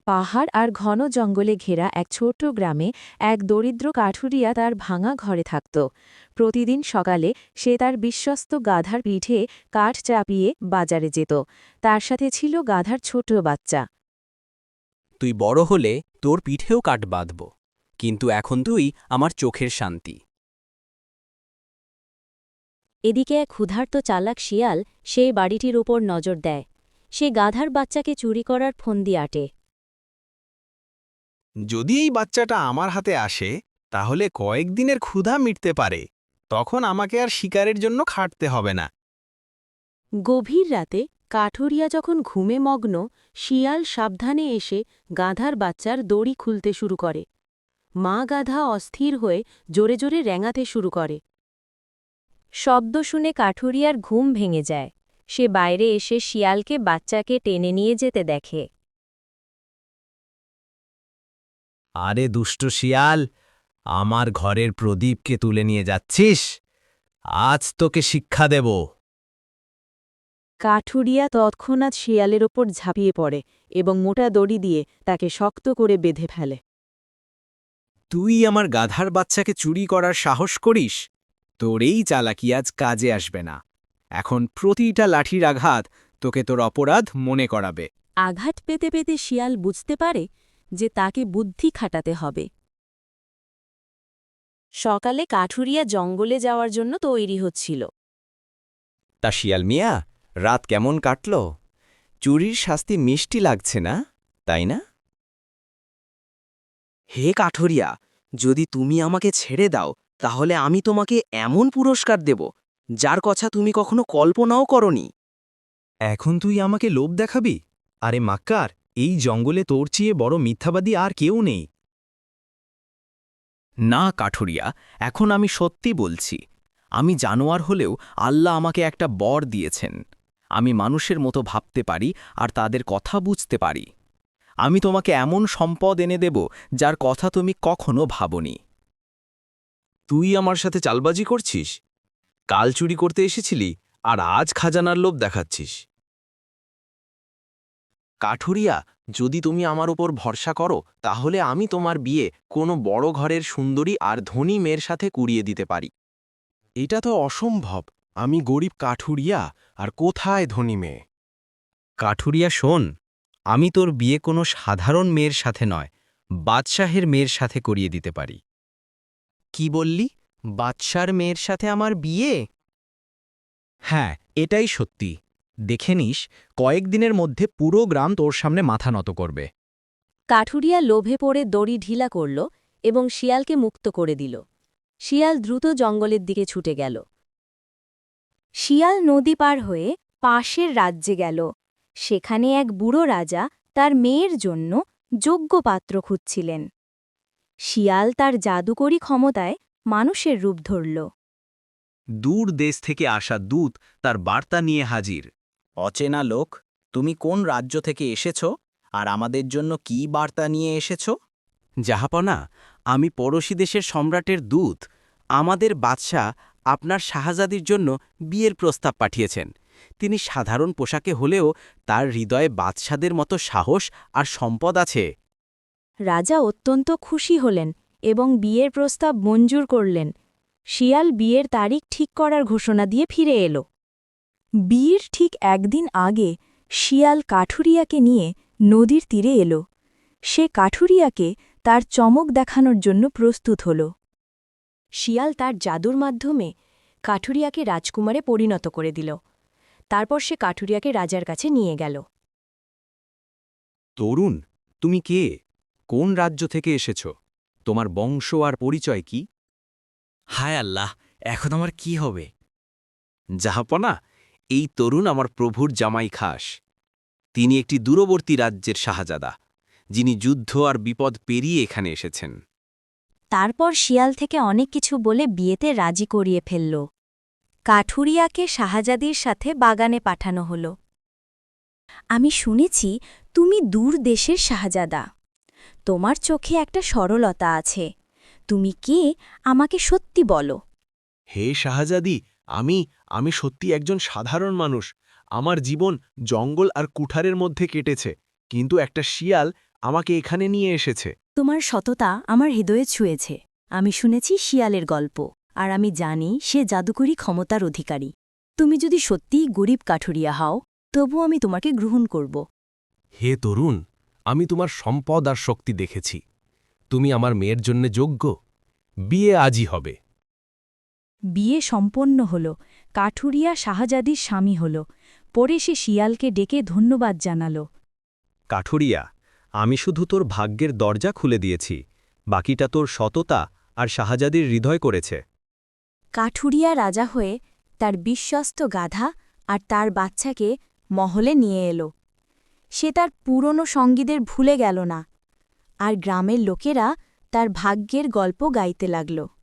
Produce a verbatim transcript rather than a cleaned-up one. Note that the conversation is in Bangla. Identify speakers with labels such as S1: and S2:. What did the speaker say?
S1: পাহাড় আর ঘন জঙ্গলে ঘেরা এক ছোট্ট গ্রামে এক দরিদ্র কাঠুরিয়া তার ভাঙা ঘরে থাকত। প্রতিদিন সকালে সে তার বিশ্বস্ত গাধার পিঠে কাঠ চাপিয়ে বাজারে যেত। তার সাথে ছিল গাধার ছোট বাচ্চা।
S2: তুই বড় হলে তোর পিঠেও কাট বাঁধব, কিন্তু এখন তুই আমার চোখের শান্তি।
S3: এদিকে এক ক্ষুধার্ত চালাক শিয়াল সেই বাড়িটির ওপর নজর দেয়। সে গাধার বাচ্চাকে চুরি করার ফন্দি আটে।
S4: যদি এই বাচ্চাটা আমার হাতে আসে তাহলে কয়েকদিনের ক্ষুধা মিটতে পারে, তখন আমাকে আর শিকারের জন্য খাটতে হবে না।
S1: গভীর রাতে কাঠুরিয়া যখন ঘুমে মগ্ন, শিয়াল সাবধানে এসে গাধার বাচ্চার দড়ি খুলতে শুরু করে। মা গাধা অস্থির হয়ে জোরে জোরে রেঙাতে শুরু করে।
S3: শব্দ শুনে কাঠুরিয়ার ঘুম ভেঙে যায়। সে বাইরে এসে শিয়ালকে বাচ্চাকে টেনে নিয়ে যেতে দেখে।
S4: আরে দুষ্ট শিয়াল, আমার ঘরের প্রদীপকে তুলে নিয়ে যাচ্ছিস? আজ তোকে শিক্ষা দেব।
S1: কাঠুরিয়া তৎক্ষণাৎ শিয়ালের ওপর ঝাঁপিয়ে পড়ে এবং মোটা দড়ি দিয়ে তাকে শক্ত করে বেঁধে ফেলে।
S4: তুই আমার গাধার বাচ্চাকে চুরি করার সাহস করিস? তোর এই চালাকি আজ কাজে আসবে না। এখন প্রতিটা লাঠির আঘাত তোকে তোর অপরাধ মনে করাবে।
S1: আঘাত পেতে পেতে শিয়াল বুঝতে পারে যে তাকে বুদ্ধি খাটাতে হবে। সকালে কাঠুরিয়া জঙ্গলে যাওয়ার জন্য তৈরি হচ্ছিল।
S5: তা শিয়াল মিয়া, রাত কেমন কাটল? চুরির শাস্তি মিষ্টি লাগছে না, তাই না?
S6: হে কাঠুরিয়া, যদি তুমি আমাকে ছেড়ে দাও তাহলে আমি তোমাকে এমন পুরস্কার দেব যার কথা তুমি কখনো কল্পনাও করনি।
S4: এখন তুই আমাকে লোভ দেখাবি? আরে মাক্কার, এই জঙ্গলে তোর চেয়ে বড় মিথ্যাবাদী আর কেউ নেই।
S2: না কাঠুরিয়া, এখন আমি সত্যি বলছি। আমি জানোয়ার হলেও আল্লাহ আমাকে একটা বর দিয়েছেন। আমি মানুষের মতো ভাবতে পারি আর তাদের কথা বুঝতে পারি। আমি তোমাকে এমন সম্পদ এনে দেব যার কথা তুমি কখনো ভাবনি।
S4: তুই আমার সাথে চালবাজি করছিস? কাল চুরি করতে এসেছিলি আর আজ খাজানার লোভ দেখাচ্ছিস। কাঠুরিয়া, যদি তুমি আমার উপর ভরসা করো তাহলে আমি তোমার বিয়ে কোনো বড় ঘরের সুন্দরী আর ধনী মেয়ের সাথে কুড়িয়ে দিতে পারি। এটা তো অসম্ভব। আমি গরিব কাঠুরিয়া, আর কোথায় ধনী মেয়ে?
S2: কাঠুরিয়া শোন, আমি তোর বিয়ে কোনো সাধারণ মেয়ের সাথে নয়, বাদশাহের মেয়ের সাথে করিয়ে দিতে পারি।
S6: কি বললি? বাদশার মেয়ের সাথে আমার বিয়ে?
S2: হ্যাঁ, এটাই সত্যি। দেখে নিস, কয়েকদিনের মধ্যে পুরো গ্রাম তোর সামনে মাথা নত করবে।
S3: কাঠুরিয়া লোভে পড়ে দড়ি ঢিলা করল এবং শিয়ালকে মুক্ত করে দিল। শিয়াল দ্রুত জঙ্গলের দিকে ছুটে গেল। শিয়াল নদী পার হয়ে পাশের রাজ্যে গেল। সেখানে এক বুড়ো রাজা তার মেয়ের জন্য যোগ্য পাত্র খুঁজছিলেন। শিয়াল তার জাদুকরী ক্ষমতায় মানুষের রূপ ধরল।
S4: দূর দেশ থেকে আসা দূত তার বার্তা নিয়ে হাজির।
S2: অচেনা লোক, তুমি কোন রাজ্য থেকে এসেছ আর আমাদের জন্য কি বার্তা নিয়ে এসেছ? জাহাপনা, আমি পড়োশী দেশের সম্রাটের দূত। আমাদের বাদশাহ আপনার শাহজাদির জন্য বিয়ের প্রস্তাব পাঠিয়েছেন। তিনি সাধারণ পোশাকে হলেও তার হৃদয়ে বাদশাদের মতো সাহস আর সম্পদ আছে।
S1: রাজা অত্যন্ত খুশি হলেন এবং বিয়ের প্রস্তাব মঞ্জুর করলেন। শিয়াল বিয়ের তারিখ ঠিক করার ঘোষণা দিয়ে ফিরে এলো। বিয়ের ঠিক একদিন আগে শিয়াল কাঠুরিয়াকে নিয়ে নদীর তীরে এলো। সে কাঠুরিয়াকে তার চমক দেখানোর জন্য প্রস্তুত হল। শিয়াল তার জাদুর মাধ্যমে কাঠুরিয়াকে রাজকুমারে পরিণত করে দিল। তারপর সে কাঠুরিয়াকে রাজার কাছে নিয়ে গেল।
S4: তরুণ, তুমি কে? কোন রাজ্য থেকে এসেছ? তোমার বংশ আর পরিচয় কি?
S2: হায় আল্লাহ, এখন আমার কি হবে?
S4: জাহাপনা, এই তরুণ আমার প্রভুর জামাই খাস। তিনি একটি দূরবর্তী রাজ্যের শাহজাদা, যিনি যুদ্ধ আর বিপদ পেরিয়ে এখানে এসেছেন।
S3: তারপর শিয়াল থেকে অনেক কিছু বলে বিয়েতে রাজি করিয়ে ফেলল। কাঠুরিয়াকে শাহজাদির সাথে বাগানে পাঠানো হল। আমি শুনেছি তুমি দূর দেশের শাহজাদা। তোমার চোখে একটা সরলতা আছে। তুমি কে আমাকে সত্যি বলো।
S4: হে শাহজাদি, আমি আমি সত্যি একজন সাধারণ মানুষ। আমার জীবন জঙ্গল আর কুঠারের মধ্যে কেটেছে, কিন্তু একটা শিয়াল আমাকে এখানে নিয়ে এসেছে?
S1: তোমার সততা আমার হৃদয়ে ছুঁয়েছে। আমি শুনেছি শিয়ালের গল্প, আর আমি জানি সে জাদুকরী ক্ষমতার অধিকারী। তুমি যদি সত্যিই গরিব কাঠুরিয়া হও, তবু আমি তোমাকে গ্রহণ করব।
S4: হে তরুণ, আমি তোমার সম্পদ আর শক্তি দেখেছি। তুমি আমার মেয়ের জন্য যোগ্য। বিয়ে আজই হবে।
S1: বিয়ে সম্পন্ন হল, কাঠুরিয়া শাহজাদির স্বামী হল। পরে সে শিয়ালকে ডেকে ধন্যবাদ জানাল।
S5: কাঠুরিয়া, আমি শুধু তোর ভাগ্যের দরজা খুলে দিয়েছি, বাকিটা তোর সততা আর শাহজাদির হৃদয় করেছে।
S1: কাঠুরিয়া রাজা হয়ে তার বিশ্বস্ত গাধা আর তার বাচ্চাকে মহলে নিয়ে এলো। সে তার পুরনো সঙ্গীদের ভুলে গেল না, আর গ্রামের লোকেরা তার ভাগ্যের গল্প গাইতে লাগল।